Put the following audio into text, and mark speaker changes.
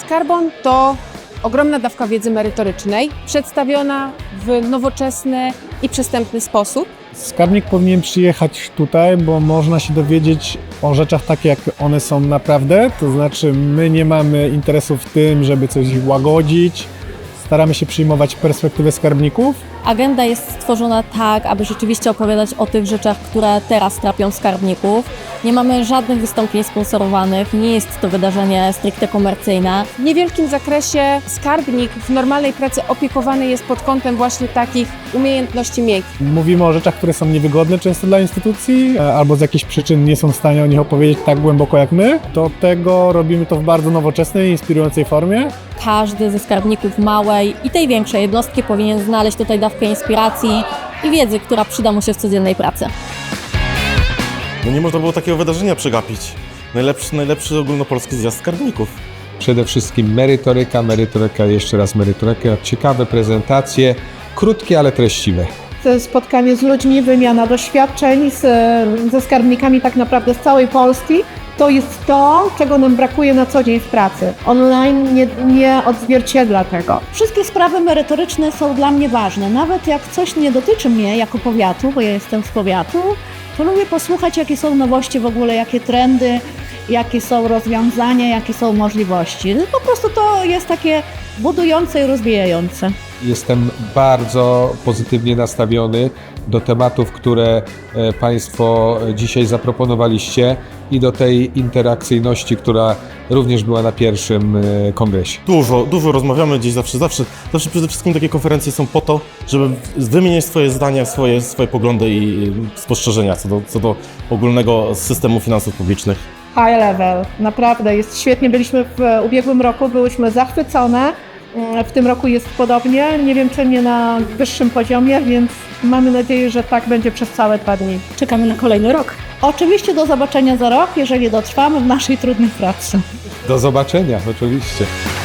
Speaker 1: Skarbon to ogromna dawka wiedzy merytorycznej, przedstawiona w nowoczesny i przystępny sposób.
Speaker 2: Skarbnik powinien przyjechać tutaj, bo można się dowiedzieć o rzeczach takie, jak one są naprawdę. To znaczy, my nie mamy interesu w tym, żeby coś łagodzić. Staramy się przyjmować perspektywę skarbników.
Speaker 3: Agenda jest stworzona tak, aby rzeczywiście opowiadać o tych rzeczach, które teraz trapią skarbników. Nie mamy żadnych wystąpień sponsorowanych, nie jest to wydarzenie stricte komercyjne.
Speaker 1: W niewielkim zakresie skarbnik w normalnej pracy opiekowany jest pod kątem właśnie takich umiejętności miękkich.
Speaker 2: Mówimy o rzeczach, które są niewygodne często dla instytucji, albo z jakichś przyczyn nie są w stanie o nich opowiedzieć tak głęboko jak my. Do tego robimy to w bardzo nowoczesnej, inspirującej formie.
Speaker 3: Każdy ze skarbników małej i tej większej jednostki powinien znaleźć tutaj dawkę inspiracji i wiedzy, która przyda mu się w codziennej pracy.
Speaker 4: No nie można było takiego wydarzenia przegapić. Najlepszy ogólnopolski zjazd skarbników.
Speaker 5: Przede wszystkim merytoryka, jeszcze raz merytoryka, ciekawe prezentacje, krótkie, ale treściwe.
Speaker 6: Spotkanie z ludźmi, wymiana doświadczeń ze skarbnikami tak naprawdę z całej Polski. To jest to, czego nam brakuje na co dzień w pracy. Online nie odzwierciedla tego.
Speaker 7: Wszystkie sprawy merytoryczne są dla mnie ważne. Nawet jak coś nie dotyczy mnie jako powiatu, bo ja jestem z powiatu, to lubię posłuchać, jakie są nowości w ogóle, jakie trendy, jakie są rozwiązania, jakie są możliwości. Po prostu to jest takie budujące i rozwijające.
Speaker 5: Jestem bardzo pozytywnie nastawiony do tematów, które Państwo dzisiaj zaproponowaliście i do tej interakcyjności, która również była na pierwszym kongresie.
Speaker 4: Dużo rozmawiamy gdzieś zawsze przede wszystkim takie konferencje są po to, żeby wymieniać swoje zdania, swoje poglądy i spostrzeżenia co do ogólnego systemu finansów publicznych.
Speaker 6: High level, naprawdę jest świetnie. Byliśmy w ubiegłym roku, byłyśmy zachwycone. W tym roku jest podobnie, nie wiem czy nie na wyższym poziomie, więc mamy nadzieję, że tak będzie przez całe 2 dni.
Speaker 7: Czekamy na kolejny rok. Oczywiście do zobaczenia za rok, jeżeli dotrwamy w naszej trudnej pracy.
Speaker 5: Do zobaczenia, oczywiście.